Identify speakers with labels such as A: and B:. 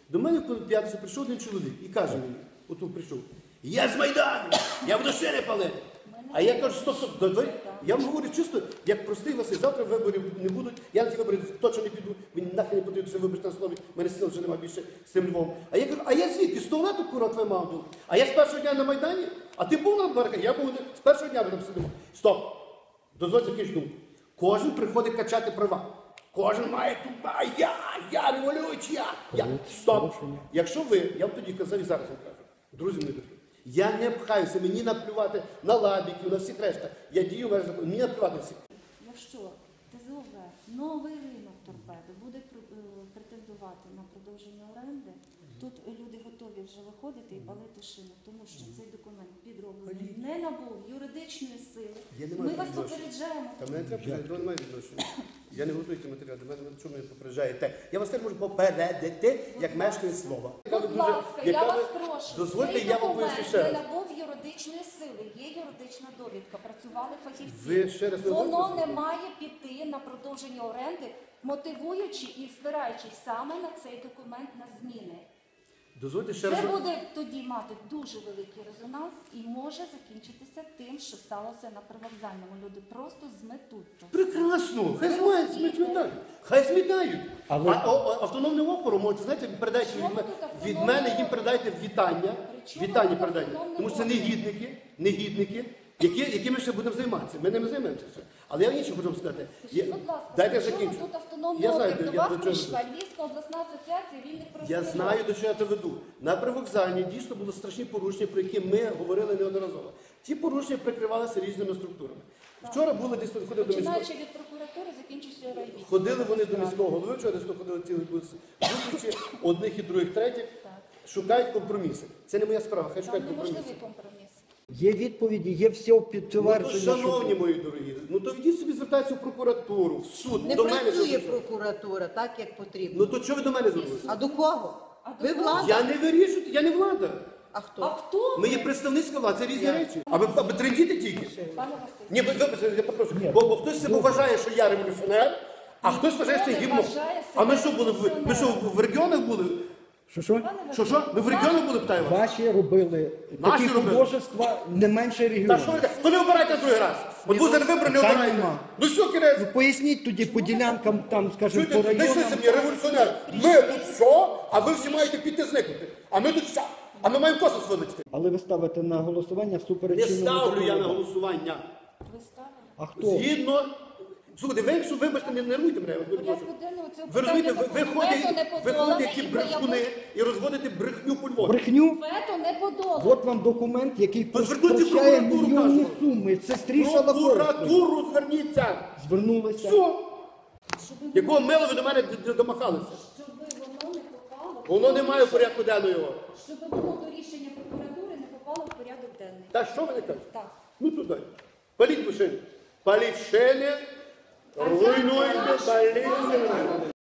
A: До мене в п'ятницю прийшов один чоловік і каже мені, отут прийшов, я з Майдану, я буду шини палити. А я кажу, стоп, я вам говорю чисто, як простий Василь, завтра виборів не будуть, я на ті вибори точно не піду, мені нахрен не потрібно, що виборити на слові, в мене сил вже немає більше з цим Львовом. А я кажу, а я звідки? З туалету, кура, твоя мама була? А я з першого дня на Майдані? А ти був на барикаді? Я був з першого дня, ми там сидимо. Стоп! Дозвольте закінчити думку. Кожен приходить качати права. Кожен має тут, я революцію, я. Стоп! Якщо ви, я вам тоді казав і зараз вам кажу, друзі мої дорогі, я не пхаюся, мені наплювати на лабіків, на всіх решта. Я дію в межах закону, мені наплювати на всіх.
B: Якщо ТЗОВ новий ринок торпеди буде претендувати на продовження оренди, тут люди готові вже виходити і палити шину, тому що цей документ підроблений не набув юридичної сили. Ми вас попереджаємо.
A: Та мене треба, до немає відношення. Я не готую ті матеріали, до мене чому ви попереджаєте? Я вас теж можу попередити, як мешканець слова.
B: Будь ласка, я вас прошу,
A: дозвольте,
B: цей
A: я вам
B: документ
A: поясню ще
B: не
A: раз.
B: набув юридичної сили, є юридична довідка, працювали фахівці.
A: Ви ще раз не
B: Воно
A: говорите?
B: не має піти на продовження оренди, мотивуючи і спираючись саме на цей документ на зміни.
A: Дозвольте ще раз.
B: Це буде тоді мати дуже великий резонанс і може закінчитися тим, що сталося на привокзальному. Люди просто зметуться.
A: Прекрасно, хай зметають. Хай зметають. А автономним опором, можете, знаєте, передайте від мене, їм передайте вітання. Вітання передайте. Тому що це негідники, якими ще будемо займатися. Ми ними займаємося ще. Але я інше хочу вам сказати.
B: Скажіть, будь ласка,
A: Дайте
B: при чому
A: закінчу.
B: тут автономний
A: Я знаю,
B: округ? До
A: я
B: вас
A: до чого
B: прийшла
A: веду.
B: Львівська обласна асоціація вільних
A: Я
B: профспілок.
A: знаю, до чого я це веду. На привокзальні дійсно були страшні порушення, про які ми говорили неодноразово. Ті порушення прикривалися різними структурами. Вчора були десь ходили до міського.
B: Починаючи від прокуратури, закінчуючи райвідділом.
A: Ходили вони до міського голови, вчора десь ходили цілий зустрічі, одних і других, третіх. Шукають компроміси. Це не моя справа, хай
B: Там
A: шукають компроміси.
B: неможливий компроміс.
C: Є відповіді, є все
A: Ну, то,
C: підтвердження.
A: шановні мої дорогі, ну то йдіть собі звертайтеся в прокуратуру, в суд.
D: Не
A: до мене
D: працює
A: зверніться.
D: прокуратура так, як потрібно.
A: Ну то чого ви до мене звернулися?
D: А до кого? Ви влада?
A: Я не вирішую, я не влада.
D: А хто?
B: А хто?
A: Ми є представницька влада, це різні речі. А ви трендіте тільки?
B: Пане Василь.
A: Ні, вибачте, я попрошу. Бо хтось себе вважає, що я революціонер, а хтось вважає, що я
B: Хто не
A: гімно.
B: вважає
A: А ми
B: себе
A: що були? Ми що в регіонах були?
C: Що?
A: Що? Ми в регіонах були, питаю вас?
C: Ваші робили
A: Наші
C: такі
A: робили.
C: художества не менше
A: Та
C: регіонів.
A: що ви? То не обирайте другий раз. От ви зараз вибори не
C: Питань
A: обирайте.
C: нема.
A: Ну що, кінець?
C: Поясніть тоді по ділянкам, там, скажімо, по
A: Чуєте, знайшлися
C: районам.
A: мені революціонер. Ми тут все, а ви всі маєте піти зникнути. А ми тут все. А ми маємо косу вилетіти.
C: Але ви ставите на голосування всупереч
A: Не
C: чинному
A: ставлю я на
C: закону.
A: голосування.
B: Ви ставили?
C: А хто?
A: Згідно. Слухайте, ви якщо вибачте, не нервуйте мене. Ви
B: Порядку денного цього
A: Ви розумієте,
B: питання
A: ви
B: такого вето не
A: ходите
B: подолане
A: які
B: і
A: брехуни і розводите брехню по Львові.
C: Брехню?
B: Вето не подолане.
C: От вам документ, який
A: То звернуться в
C: прощає
A: прокуратуру,
C: мільйонні
A: кажу.
C: суми. Це стріша на
A: Прокуратуру зверніться.
C: Звернулися.
A: Все. Якого мило ви до мене домахалися?
B: Щоб воно не попало.
A: Воно не має порядку денного.
B: Щоб воно до рішення прокуратури не попало в порядок денний.
A: Та що ви не кажете?
B: Так.
A: Ну туди. Паліть машини. Паліть шини. Руйнуйте, паліть.